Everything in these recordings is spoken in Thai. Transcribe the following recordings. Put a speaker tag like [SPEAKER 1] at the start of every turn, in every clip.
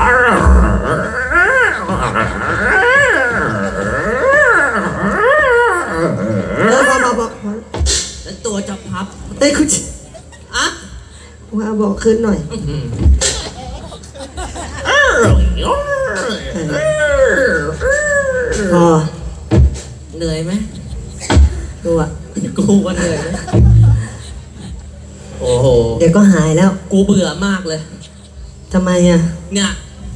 [SPEAKER 1] แล้วตัวจะพับ
[SPEAKER 2] เอ้ยคุณ
[SPEAKER 1] อะ
[SPEAKER 2] ว่าบอกขึ้นหน่อยพอ
[SPEAKER 1] เหนื่อยไหม
[SPEAKER 2] ดูอ่ะ
[SPEAKER 1] กูว่าเหนื่อยไหมโอ้โห
[SPEAKER 2] เดี๋ยวก็หายแล้ว
[SPEAKER 1] กูเบื่อมากเลย
[SPEAKER 2] ทำไมอ่ะ
[SPEAKER 1] เนี่ย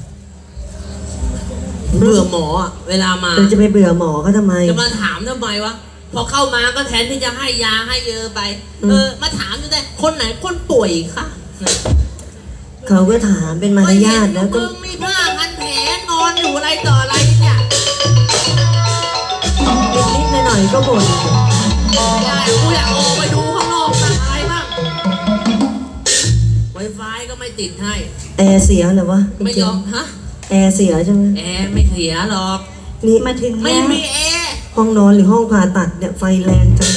[SPEAKER 1] เบื่อหมออ่ะเวลามา
[SPEAKER 2] จะไปเบื่อหมอเขาทำไม
[SPEAKER 1] จะมาถามทำไมวะพอเข้ามาก็แทนที่จะให้ยาให้เยอะไปมาถามอยู่แต่คนไหนคนป่วยคะ
[SPEAKER 2] เขาก็ถามเป็นมารยาทแล้วก็
[SPEAKER 1] มึงมีผ้าพันแผลนอนอยู่อะไรต่ออะไรเนี่ย
[SPEAKER 2] นิดๆหน่อยๆก็บ่น
[SPEAKER 1] กูอยากออกไปดูข้างนอกบ้างอะไรบ้างไวไฟก็ไม่ติดให้
[SPEAKER 2] แอร์เสียเหรอวะ
[SPEAKER 1] ไม่ยอมฮะ
[SPEAKER 2] แอร์เสียใช่ไหม
[SPEAKER 1] แอร์ไม่เสียหรอก
[SPEAKER 2] นี่มาถึง
[SPEAKER 1] ไม่มีแอร์
[SPEAKER 2] ห้องนอนหรือห้องผ่าตัดเนี่ยไฟแรงจัง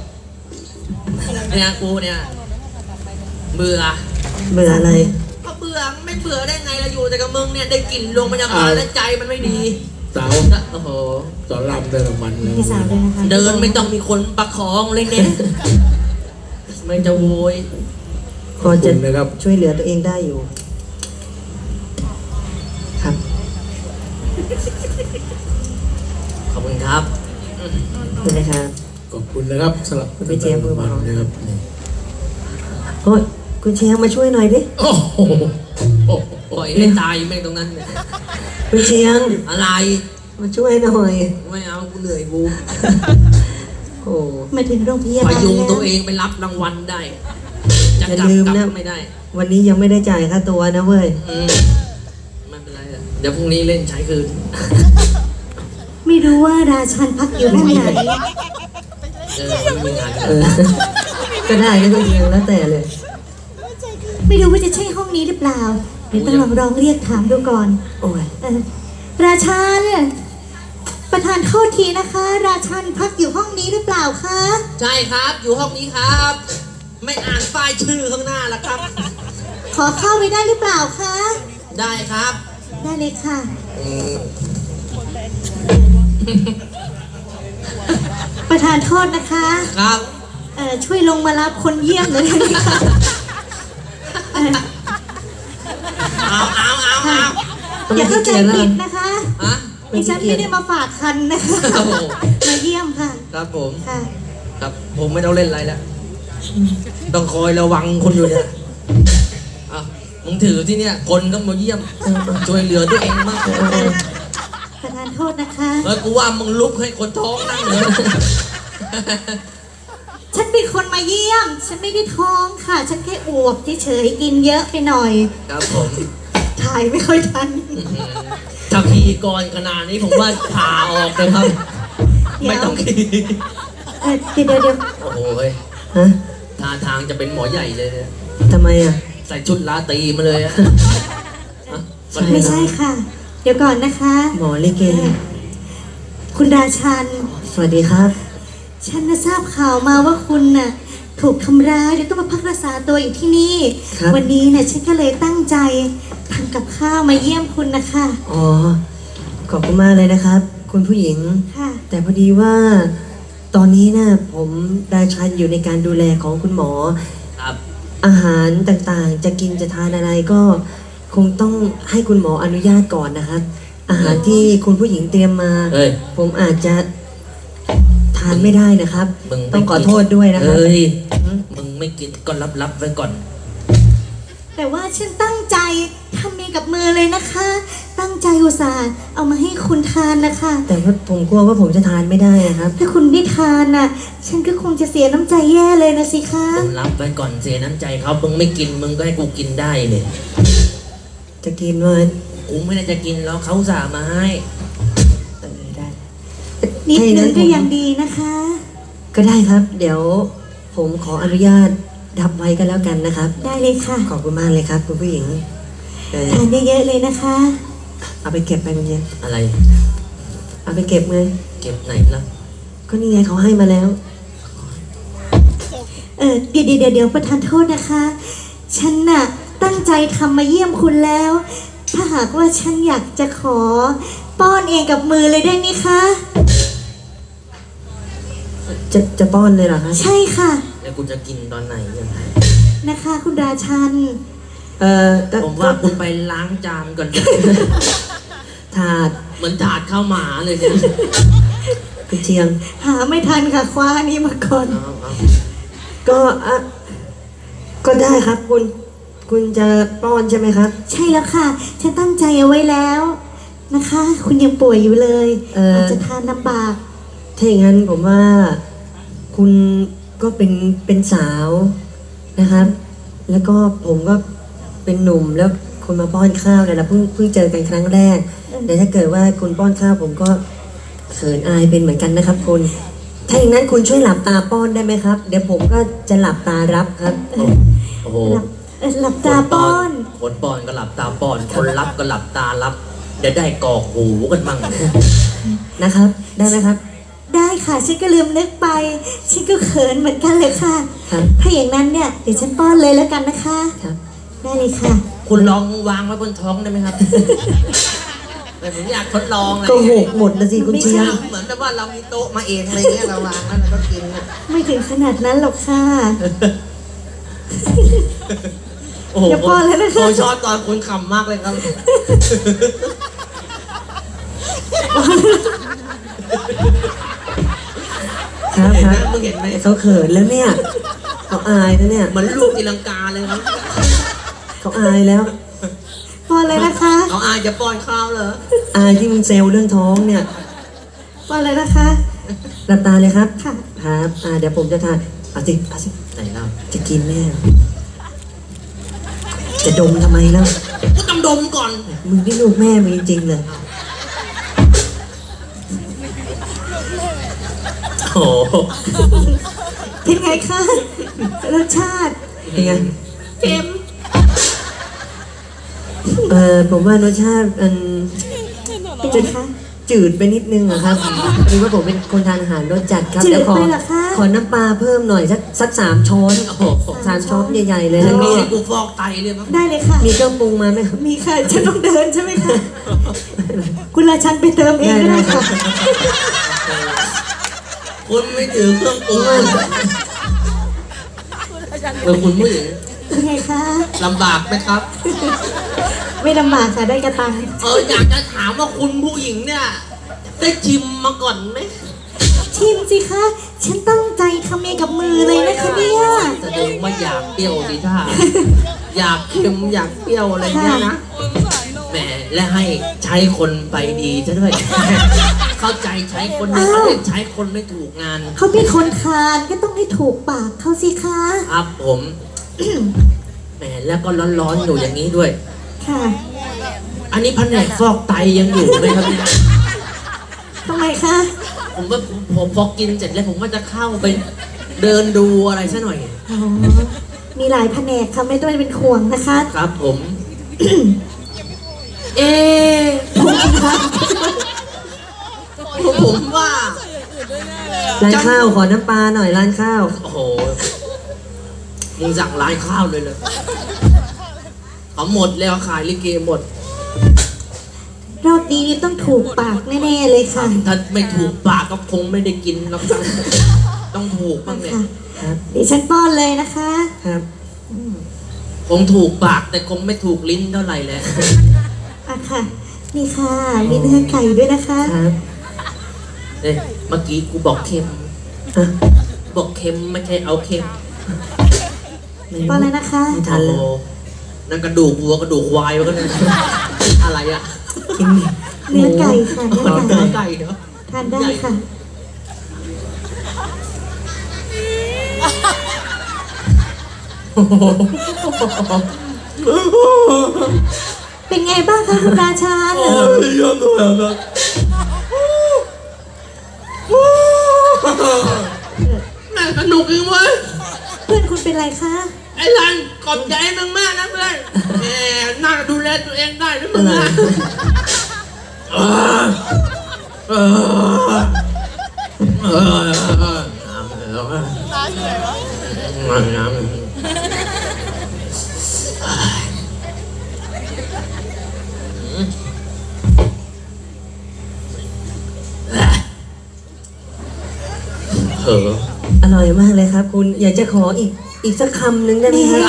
[SPEAKER 1] เนี่ยกูเนี่ยเบื่อ
[SPEAKER 2] อะไร
[SPEAKER 1] ก็เบื่อไม่เบื่อได้ไงเราอยู่แต่กับมึงเนี่ยได้กลิ่นโรงพยาบาลแล้วใจมันไม่ดี
[SPEAKER 3] สาว
[SPEAKER 1] โอ้โห
[SPEAKER 3] สอนรำเดินมันเลย
[SPEAKER 1] เดินไม่ต้องมีคนประคองเลยเนี่ยไม่จะโวย
[SPEAKER 2] พอจะช่วยเหลือตัวเองได้อยู่ครับ
[SPEAKER 1] ขอบคุณครับ
[SPEAKER 2] ขอบคุณนะครับ
[SPEAKER 3] ขอบคุณนะครับสำหรับ
[SPEAKER 2] คุณเจี๊ยบมือมา
[SPEAKER 3] นะครับ
[SPEAKER 2] โอ้ยคุณเชียงมาช่วยหน่อยดิ
[SPEAKER 3] โอ้โห
[SPEAKER 1] ปล่อยให้ตายแม่งตรงนั้น
[SPEAKER 2] คุณเชียง
[SPEAKER 1] อะไร
[SPEAKER 2] มาช่วยหน่อย
[SPEAKER 1] ไม่เอากูเหนื่อยกู
[SPEAKER 2] โอ้มาถึงโรงพยาบาล
[SPEAKER 1] พยุงตัวเองไปรับรางวัลได้
[SPEAKER 2] จะลืมนะ
[SPEAKER 1] ไม่ได้
[SPEAKER 2] วันนี้ยังไม่ได้จ่ายค่าตัวนะเว้ย
[SPEAKER 1] ไม่เป็นไรเดี๋ยวพรุ่งนี้เล่นใช้คืน
[SPEAKER 4] ไม่รู้ว่าราชันพักอยู่ห้องไหน
[SPEAKER 1] มีงาน
[SPEAKER 2] ก็ได้นะคุณเชียงแล้วแต่เลย
[SPEAKER 4] ไม่รู้ว่าจะใช่ห้องนี้หรือเปล่าเดี๋ยวต้องลองเรียกถามดูก่อน
[SPEAKER 2] โอ้ย
[SPEAKER 4] ราชันประธานโทษทีนะคะ ราชันพักอยู่ห้องนี้หรือเปล่าคะ
[SPEAKER 1] ใช่ครับอยู่ห้องนี้ครับไม่อ่านป้ายชื่อข้างหน้าละครับ
[SPEAKER 4] ขอเข้าไปได้หรือเปล่าคะ
[SPEAKER 1] ได้ครับ
[SPEAKER 4] ได้เลยค่ะประธานโทษนะคะ
[SPEAKER 1] ครับ
[SPEAKER 4] ช่วยลงมารับคนเยี่ยมหน่อยได้ไหมคะอย่าเข้าใจผิดนะคะดิฉันไม่ได้มาฝากคันนะคะมาเยี่ยมค่ะ
[SPEAKER 1] ครับผมครับผมไม่ต้องเล่นอะไรแล้วต้องคอยระวังคนอยู่เนี่ยมึงถือที่เนี่ยคนก็มาเยี่ยมช่วยเหลือตัวเองมาก
[SPEAKER 4] ประธานโทษนะคะ
[SPEAKER 1] กูว่ามึงลุกให้คนท้องนั่งเลย
[SPEAKER 4] ฉันเป็นคนมาเยี่ยมฉันไม่ได้ท้องค่ะฉันแค่อวบเฉยๆกินเยอะไปหน่อย
[SPEAKER 1] ครับผม
[SPEAKER 4] ถ่ายไม่ค่อยทัน
[SPEAKER 1] ถ้าพีก่อนขนาดนี้ผมว่าผ่าออกเลยครับไม่ต้องขี่
[SPEAKER 4] เดี๋ยว
[SPEAKER 1] โอ้โหท่าทางจะเป็นหมอใหญ่เลย
[SPEAKER 2] ทำไมอ่ะ
[SPEAKER 1] ใส่ชุดลาตรีมาเลย
[SPEAKER 4] ไม่ใช่ค่ะเดี๋ยวก่อนนะคะ
[SPEAKER 2] หมอลิเก
[SPEAKER 4] คุณราชัน
[SPEAKER 2] สวัสดีครับ
[SPEAKER 4] ฉันทราบข่าวมาว่าคุณน่ะถูกทำร้ายเดี๋ยวต้องมาพักรักษาตัวอยู่ที่นี่วันนี้เนี่ยฉันก็เลยตั้งใจทำกับข้าวมาเยี่ยมคุณนะคะ
[SPEAKER 2] อ๋อขอบคุณมากเลยนะครับคุณผู้หญิง
[SPEAKER 4] ค่ะ
[SPEAKER 2] แต่พอดีว่าตอนนี้นะผมราชันอยู่ในการดูแลของคุณหมอ
[SPEAKER 1] ครับ
[SPEAKER 2] อาหารต่างๆจะกินจะทานอะไรก็คงต้องให้คุณหมออนุญาตก่อนนะครับอาหารที่คุณผู้หญิงเตรียมมาผมอาจจะทานไม่ได้นะครับต้องขอโทษด้วยนะครับ
[SPEAKER 1] มึงไม่กินก็รับไว้ก่อน
[SPEAKER 4] แต่ว่าฉันตั้งใจทำเองกับมือเลยนะคะตั้งใจอุตส่าห์เอามาให้คุณทานนะคะ
[SPEAKER 2] แต่ว่าผมกลัวว่าผมจะทานไม่ได้นะครับ
[SPEAKER 4] ถ้าคุณไม่ทานน่ะฉันก็คงจะเสียน้ำใจแย่เลยนะสิคะ
[SPEAKER 1] มึงรับไว้ก่อนเสียน้ำใจเขามึงไม่กินมึงก็ให้กูกินได้เนี่ย
[SPEAKER 2] จะกินเลย
[SPEAKER 1] กูไม่ได้จะกินแล้วเขาสั่งมาให้
[SPEAKER 2] ได้
[SPEAKER 4] นิดนึงก็ยังดีนะคะ
[SPEAKER 2] ก็ได้ครับเดี๋ยวผมขออนุญาตดับไว้กันแล้วกันนะครับ
[SPEAKER 4] ได้เลยค่ะ
[SPEAKER 2] ขอบคุณมากเลยครับคุณผู้หญิง
[SPEAKER 4] ทานเยอะๆเลยนะคะ
[SPEAKER 2] เอาไปเก็บไปมันยัง
[SPEAKER 1] อะไร
[SPEAKER 2] เอาไปเก็บเลย
[SPEAKER 1] เก็บไหนล่ะ
[SPEAKER 2] ก็นี่ไงเขาให้มาแล้ว
[SPEAKER 4] เดี๋ยวประทานโทษนะคะฉันน่ะตั้งใจทำมาเยี่ยมคุณแล้วถ้าหากว่าฉันอยากจะขอป้อนเองกับมือเลยได้ไหมคะ
[SPEAKER 2] จะป้อนเลยเหรอคะ
[SPEAKER 4] ใช่ค่ะ
[SPEAKER 1] แล้วกูจะกินตอนไหนเนี่ย
[SPEAKER 4] นะคะ คุณราชัน
[SPEAKER 2] ก็
[SPEAKER 1] ผมว่าคุณไปล้างจานก่อน
[SPEAKER 2] ถาด
[SPEAKER 1] เหมือนถาดข้าวหมาเลยเนี่ย
[SPEAKER 2] คุณเชียง
[SPEAKER 4] หาไม่ทันค่ะคว้าอันนี้มาก่อน
[SPEAKER 1] เอา
[SPEAKER 2] ก็ก็ได้ครับคุณจะป้อนใช่ไหมครับ
[SPEAKER 4] ใช่แล้วค่ะ ฉันตั้งใจเอาไว้แล้วนะคะ คุณยังป่วยอยู่เลย อาจจะทานลำบาก
[SPEAKER 2] ถ้าอย่างนั้นผมว่าคุณก็เป็นสาวนะครับ แล้วก็ผมก็เป็นหนุ่มแล้วคุณมาป้อนข้าวเนี่ยเราเพิ่งเจอกันครั้งแรก แต่ถ้าเกิดว่าคุณป้อนข้าวผมก็เขินอายเป็นเหมือนกันนะครับคุณถ้าอย่างนั้นคุณช่วยหลับตาป้อนได้ไหมครับ เดี๋ยวผมก็จะหลับตารับครับ
[SPEAKER 1] โอ้โห
[SPEAKER 4] หลับตาป้อน
[SPEAKER 1] คนป้อนก็หลับตาป้อน คนรับก็หลับตารับเดี๋ยวได้กอกหูกันมั่ง
[SPEAKER 2] นะครับ ได้ไหมครับ
[SPEAKER 4] ได้ค่ะ ฉันก็ลืมนึกไป ฉันก็เขินเหมือนกันเลยค่ะ
[SPEAKER 2] ครับ
[SPEAKER 4] ถ้าอย่างนั้นเนี่ยเดี๋ยวฉันป้อนเลยแล้วกันนะคะ
[SPEAKER 2] ครับ
[SPEAKER 4] ได้เลยค่ะ
[SPEAKER 1] คุณลองวางไว้บนท้องได้ไหมครับ แต่ผมอยากทดลองอะไร
[SPEAKER 2] ก็หกหมดนะสิคุณเชียง
[SPEAKER 1] เหมือนแบบว่าเรามีโต๊ะมาเองอะไรเงี้ยเราวางแล้วเราก็กินอะ
[SPEAKER 4] ไม่ถึงขนาดนั้นหรอกค่ะ
[SPEAKER 1] โอ้โห
[SPEAKER 4] อย่าป้อนเลยนะคะ
[SPEAKER 1] ผมชอบตอนคุณขำมากเลยครับ
[SPEAKER 2] ครับ
[SPEAKER 1] เห็น
[SPEAKER 2] ค
[SPEAKER 1] ไหม
[SPEAKER 2] รับ
[SPEAKER 1] มึงเห็นไหม
[SPEAKER 2] เขาเขินแล้วเนี่ยเขาอายแล้วเนี่ย
[SPEAKER 1] เหมือนลูกตีลังกาเลยครับ
[SPEAKER 2] เขาอายแล้ว
[SPEAKER 4] ป้อนเลยนะคะ
[SPEAKER 1] เอาอายจะป้อนข้าวเหรอ
[SPEAKER 2] อายที่มึงเซลเรื่องท้องเนี่ย
[SPEAKER 4] ป้อนเลยนะคะ
[SPEAKER 2] หลับตาเลยครับ
[SPEAKER 4] ค่ะ
[SPEAKER 2] ครับเดี๋ยวผมจะทานเอาสิ
[SPEAKER 1] ไหนเล่า
[SPEAKER 2] จะกินแน่จะดมทำไมแล้ว
[SPEAKER 1] ก็ต้องดมก่อน
[SPEAKER 2] มึงนี่ลูกแม่มึงจริงๆเลย
[SPEAKER 1] โอ้โห
[SPEAKER 4] เป็นไงคะ รสชาติ
[SPEAKER 2] เป็นไง
[SPEAKER 1] เค็ม
[SPEAKER 2] ผมว่ารสชาติมัน
[SPEAKER 4] เป็นไงคะ
[SPEAKER 2] จืดไปนิดนึงอะครับหรือว่าผมเป็นคนทานอาหารรสจัดครับ
[SPEAKER 4] จืด
[SPEAKER 2] เดี๋ยว
[SPEAKER 4] ไปเหรอคะ
[SPEAKER 2] ขอน้ำปลาเพิ่มหน่อยสัก3 ช้อน
[SPEAKER 1] โอ้โห
[SPEAKER 2] 3 ช้อนใหญ่ๆเลย
[SPEAKER 1] แล้
[SPEAKER 2] แล้ว ว
[SPEAKER 1] มี
[SPEAKER 2] ก็
[SPEAKER 1] ให้กูฟอกไตเลยมั้ง
[SPEAKER 4] ได้เลยค่ะ
[SPEAKER 2] มีเครื่องปรุงมาไหมครับ
[SPEAKER 4] มีค่ะ ฉันต้องเดินใช่ไหมคะ คุณราชันไปเติมเองก็ได้ค่ะ
[SPEAKER 1] คุณไม่ถือเครื่องปรุงคุณผู้หญิง
[SPEAKER 4] เป็นไงคะ
[SPEAKER 1] ลำบากไหมครับ
[SPEAKER 4] ไม่ลำบากค่ะ ได้กระตัง
[SPEAKER 1] อยากจะถามว่าคุณผู้หญิงเนี่ย ได้ชิมมาก่อนไหม
[SPEAKER 4] ชิมสิคะ ฉันตั้งใจทำเองกับมือเลยนะคะเนี่ย
[SPEAKER 1] แสดงว่าอยากเปรี้ยวดิท่าอยากเค็มอยากเปรี้ยวอะไรเนี่ยนะแหมและให้ใช้คนไปดีซะด้วย เข้าใจใช้คนไม่เขาเรียกใช้คนไม่ถูกงาน
[SPEAKER 4] เขาเป็นคนทานก็ต้องให้ถูกปากเขาสิคะ
[SPEAKER 1] ครับผม แหมแล้วก็ร้อนๆอยู่อย่างนี้ด้วย
[SPEAKER 4] ค่ะ
[SPEAKER 1] อันนี้แผนกฟอกไตยังอยู่ไหมครับเนี่ย
[SPEAKER 4] ทำไมคะ
[SPEAKER 1] ผมว่าผมพอกินเสร็จแล้วผมว่าจะเข้าไปเดินดูอะไรซะหน่อย
[SPEAKER 4] อ๋อ มีหลายแผนกค่ะไม่ต้องเป็นห่วงนะคะ
[SPEAKER 1] ครับผม เอ๊ะผมว่า
[SPEAKER 2] ร้านข้าวขอน้ำปลาหน่อยร้านข้าว
[SPEAKER 1] โอ้โหมึงสั่งร้านข้าวเลยเลยเขาหมดแล้วขายลิเกหมด
[SPEAKER 4] รอบนี้นี่ต้องถูกปากแน่ๆเลยค่ะ
[SPEAKER 1] ถ้าไม่ถูกปากก็คงไม่ได้กินแล้วครับต้องถูกบ้างเนี่ย
[SPEAKER 4] ค่ะ
[SPEAKER 2] ครับ
[SPEAKER 4] เดี๋ยวฉันป้อนเลยนะคะ
[SPEAKER 2] ครับ
[SPEAKER 1] คงถูกปากแต่คงไม่ถูกลิ้นเท่าไหร่แหละ
[SPEAKER 4] อ่ะค่ะ นี่ค่ะ มีเนื้อไก่ด้วยนะคะ
[SPEAKER 2] ครับ
[SPEAKER 1] เอ้ยเมื่อกี้กูบอกเค็ม
[SPEAKER 2] อ่ะ
[SPEAKER 1] บอกเค็มไม่ใช่เอาเค็ม
[SPEAKER 2] ไม่รู้
[SPEAKER 4] ป้อนเลยนะคะ
[SPEAKER 2] ไม่ทันแล้ว
[SPEAKER 1] โอ้โหนั่นกระดูกวัวกระดูกควายวะก็เนี่ยอะไรอะ
[SPEAKER 2] กิน
[SPEAKER 4] เนื้อไก่ค่ะ เนื้อ
[SPEAKER 1] มัน
[SPEAKER 4] ไก่
[SPEAKER 1] เนื้อไก่เนาะ
[SPEAKER 4] ทานได้ค่ะ เป็นไงบ้างคะคุณราชัน
[SPEAKER 1] เยอะเลยนะแม่สนุกจริงเว้ย
[SPEAKER 4] เพื่อนคุณเป็นไรคะ
[SPEAKER 1] ไอ้รันขอบใจมึงมากนะเพื่อนแหมน่าจะดูแลตัวเองได้ด้วยมึงนะน้ำเหอะ
[SPEAKER 2] อร่อยมากเลยครับ คุณอยากจะขออีกสักคำหนึ่งได้ไหมครับ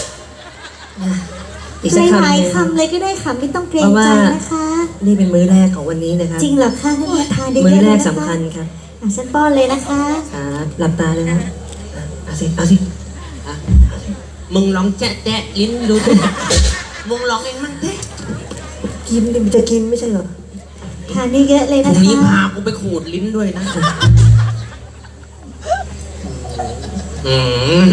[SPEAKER 2] อีกสักคำ
[SPEAKER 4] หลาย
[SPEAKER 2] หนึ่ง
[SPEAKER 4] ๆคำเลยก็ได้ค่ะไม่ต้องเกรงใจนะคะ
[SPEAKER 2] นี่เป็นมื้อแรกของวันนี้นะครับ
[SPEAKER 4] จริงเหรอคะให้มาทานได้เย
[SPEAKER 2] มื้อ
[SPEAKER 4] อะ
[SPEAKER 2] แร
[SPEAKER 4] เลย
[SPEAKER 2] ก
[SPEAKER 4] นะคะ
[SPEAKER 2] สำคัญครับ
[SPEAKER 4] ฉันป้อนเลยนะคะ
[SPEAKER 2] ครับหลับตาเลยนะเอาสิ
[SPEAKER 1] มึงลองแจ๊ะลิ้นดูสิมึงลองเองมั่งเถอะ
[SPEAKER 2] กินดิมันจะกินไม่ใช่เหรอ
[SPEAKER 4] ทานได้เยอะเลย
[SPEAKER 1] พ
[SPEAKER 4] นะ
[SPEAKER 1] รุ่งนี้
[SPEAKER 4] คะ
[SPEAKER 1] พากูไปขูดลิ้นด้วยนะอืม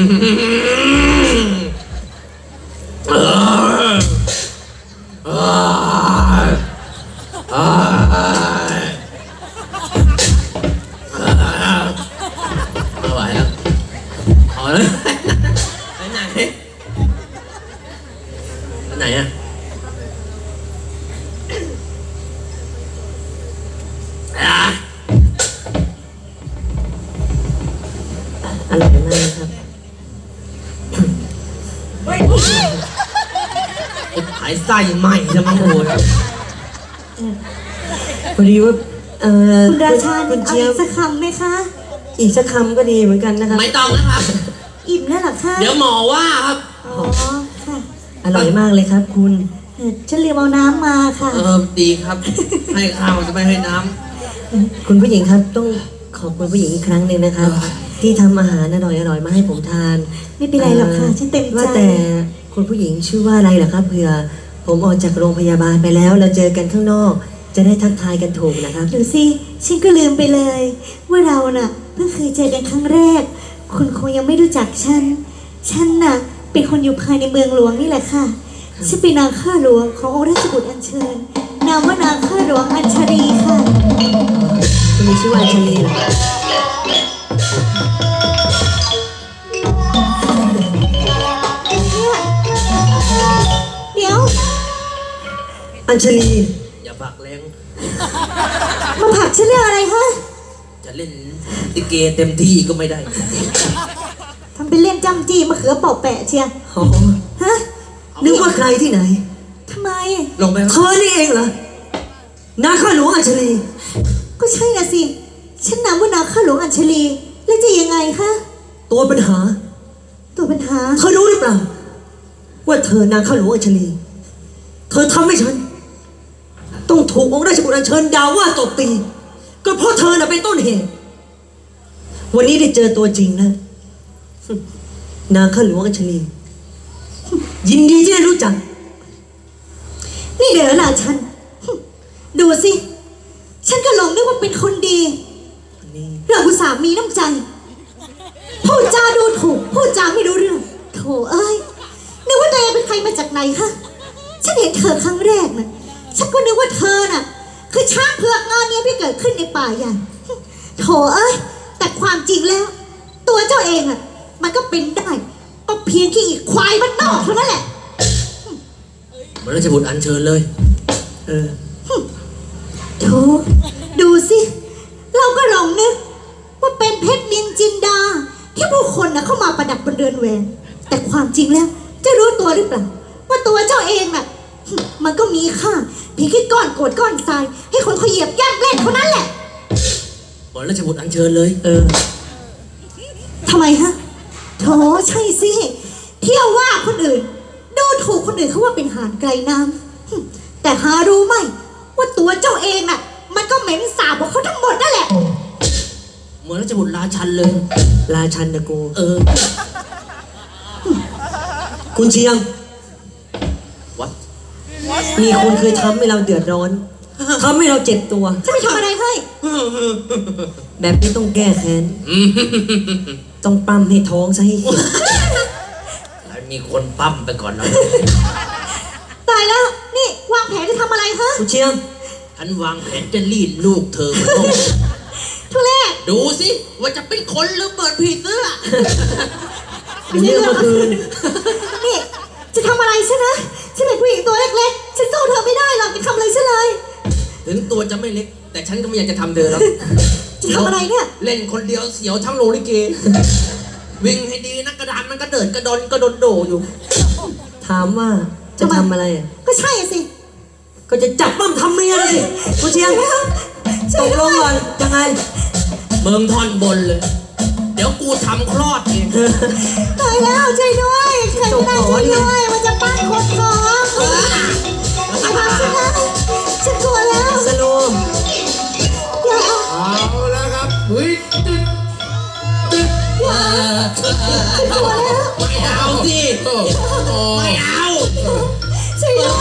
[SPEAKER 1] เออเออเออไม่ไหวแล้วเอาเลยไปไหนไปไหนอะ
[SPEAKER 2] อร่อยมากครับ
[SPEAKER 1] หายไส้ใหม่จะมาโหด
[SPEAKER 2] พอดีว่า
[SPEAKER 4] คุณราชา
[SPEAKER 2] คุณ
[SPEAKER 4] เอา
[SPEAKER 2] เจี๊ย
[SPEAKER 4] อี
[SPEAKER 2] บ
[SPEAKER 4] กสักคำไหมคะ
[SPEAKER 2] อีกสักคำก็ดีเหมือนกันนะครับ
[SPEAKER 1] ไม่ต้องนะครับ
[SPEAKER 4] อิ่มแล้วเหรอคะ
[SPEAKER 1] เดี๋ยวหมอว่าครับ
[SPEAKER 4] อ๋อค่ะ
[SPEAKER 2] อร่อยมากเลยครับ คุณ
[SPEAKER 4] ฉันลืมเอาน้ำมาค่ะ
[SPEAKER 1] ดีครับ ให้ข้าวจะไม่ให้น้
[SPEAKER 2] คุณผู้หญิงครับต้องขอบคุณผู้หญิงอีกครั้งหนึ่งนะครับ ที่ทำอาหารอร่อยๆมาให้ผมทาน
[SPEAKER 4] ไม่เป็นไรหรอกค่ะฉันเต็มใจ
[SPEAKER 2] ว่าแต่คุณผู้หญิงชื่อว่าอะไรเหรอครับเผื่อผมออกจากโรงพยาบาลไปแล้วเราเจอกันข้างนอก จะได้ทักทายกันถูกนะครับ
[SPEAKER 4] ดูสิฉันก็ลืมไปเลย ว่าเราน่ะเพิ่งเคยเจอกันครั้งแรก คุณคงยังไม่รู้จักฉันน่ะเป็นคนอยู่ภายในเมืองหลวงนี่แหละค่ะฉันเป็นนางข้าหลวงขององค์ราชบุตรอัญเชิญนามว่านางข้าหลวงอัญชรีค่ะ
[SPEAKER 2] คุณมีชื่อว่าอัญชลีเหรอ
[SPEAKER 4] เดี๋ยว
[SPEAKER 2] อัญชลี
[SPEAKER 1] ำอย่าบักแรง
[SPEAKER 4] มาผลักฉันเรื่องอะไรคะ
[SPEAKER 1] จะเล่นติเกเต็มที่ก็ไม่ได้
[SPEAKER 4] ทำเป็นเล่นจำจี้มะเขือเปาะแปะเชียร์
[SPEAKER 2] อ๋อ
[SPEAKER 4] ฮะ
[SPEAKER 2] นึกว่าใครที่ไหน
[SPEAKER 4] ทำไม
[SPEAKER 1] ลงไป
[SPEAKER 2] เธอนี่เองเหรอนาข้าหลวงอัญชลี
[SPEAKER 4] ก็ใช่น่ะสิฉันนามว่านางข้าหลวงอัญชลีแล้วจะยังไงคะ
[SPEAKER 2] ตัวปัญหา
[SPEAKER 4] ตัวปัญหา
[SPEAKER 2] เธอรู้หรือเปล่า ว่าเธอนางข้าหลวงอัญชลี เธอทำให้ฉัน ต้องถูกองค์ราชบุตรอัญเชิญด่าว่าตบตี ก็เพราะเธอน่ะเป็นต้นเหตุ วันนี้ได้เจอตัวจริงแล้วนางข้าหลวงอัญชลี ยินดีที่ได้รู้จัก
[SPEAKER 4] นี่เดี๋ยวล่ะฉัน ดูสิ ฉันก็หลงนึกว่าเป็นคนดีเราอุตส่าห์มีน้ำใจ พูดจาดูถูก พูดจาไม่รู้เรื่อง โถเอ้ย นึกว่าตัวเองเป็นใครมาจากไหนคะ ฉันเห็นเธอครั้งแรกน่ะ ฉันก็นึกว่าเธอน่ะ คือช้างเผือกงานนี้ที่เกิดขึ้นในป่าใหญ่ โถเอ้ย แต่ความจริงแล้ว ตัวเจ้าเองอ่ะ มันก็เป็นได้ ก็เพียงแค่อีกควายมันนอกเท่านั้นแหละ
[SPEAKER 1] เหมือนราชบุตรอัญเชิญเลย
[SPEAKER 2] เออ
[SPEAKER 4] โถดูสิ เราก็ลองนึกว่าเป็นเพชรนินจินดา ที่ผู้คนนะเข้ามาประดับบนเรือนแหวน แต่ความจริงแล้ว จะรู้ตัวหรือเปล่า ว่าตัวเจ้าเองน่ะ มันก็มีค่าเพียงแค่ก้อนโกรธก้อนทราย ให้คนเขาเหยียบย่ำเล่นเท่านั้นแหละ
[SPEAKER 1] เหมือนราชบุตรอัญเชิญเลย
[SPEAKER 2] เออ
[SPEAKER 4] ทำไมฮะโถใช่สิ เที่ยวว่าคนอื่น ดูถูกคนอื่นเขาว่าเป็นหานไกลน้ำแต่หารู้ไหมว่าตัวเจ้าเองน่ะ มันก็เหม็นสาบของเขาทั้งหมดนั่นแหละ
[SPEAKER 1] เหมือนราชบุตรราชันเลย
[SPEAKER 2] ราชันนะกู คุณเชียง
[SPEAKER 1] วัด
[SPEAKER 2] มีคนเคยทำให้เราเดือดร้อน ทำให้เราเจ็บตัว
[SPEAKER 4] จะไปทำอะไรให้
[SPEAKER 2] แบบนี้ต้องแก้แค้น ต้องปั๊มให้ท้องซะให้เห็น
[SPEAKER 1] แล้วมีคนปั้มไปก่อนเรา
[SPEAKER 4] ตายแล้ว นี่วางแผนจะทำอะไรคะ
[SPEAKER 2] คุณเชียง
[SPEAKER 1] ฉันวางแผนจะรีดลูกเธอมาต้ม
[SPEAKER 4] ทุเรศ
[SPEAKER 1] ดูสิว่าจะเป็นคนหรือเปิดผีเสื้อ
[SPEAKER 2] เดี๋ยวนี้เมื่อคืน
[SPEAKER 4] นี่ จะทำอะไรใช่ไหมฉันเป็นผู้หญิงตัวเล็กๆ ฉันสู้เธอไม่ได้หรอกจะทำอะไรฉันเลย
[SPEAKER 1] ถึงตัวจะไม่เล็ก แต่ฉันก็ไม่อยากจะทำเธอแล้ว
[SPEAKER 4] จะทำอะไรเนี่ย
[SPEAKER 1] เล่นคนเดียวเสียวทั้งโรงลิเก วิ่งให้ดีนะกระดานมันก็เดินกระดอนกระโดนโดอยู่
[SPEAKER 2] ถามว่าจะทำอะไรอ่ะ
[SPEAKER 4] ก็ใช่อะสิ
[SPEAKER 2] ก็จะจับปั้มทำเมียนะสิคุณเชียงตกลงก่อนยังไง
[SPEAKER 1] มึงท่อนบนเลย เดี๋ยวกูทำคลอดเอง
[SPEAKER 4] ตายแล้วช่วยด้วยใครก็ได้ช่วยด้วยมันจะปั้นคนท้องไอ้บ้าฉันนะฉันกลัวแล้ว
[SPEAKER 2] สโลม
[SPEAKER 4] อย่า
[SPEAKER 3] เอาแล้วครับเฮ้ยตึ๊ดตึ๊ด
[SPEAKER 1] ไม่เอาสิ
[SPEAKER 3] โอ้โห
[SPEAKER 1] ไม่เอา
[SPEAKER 4] ช่วยด้วย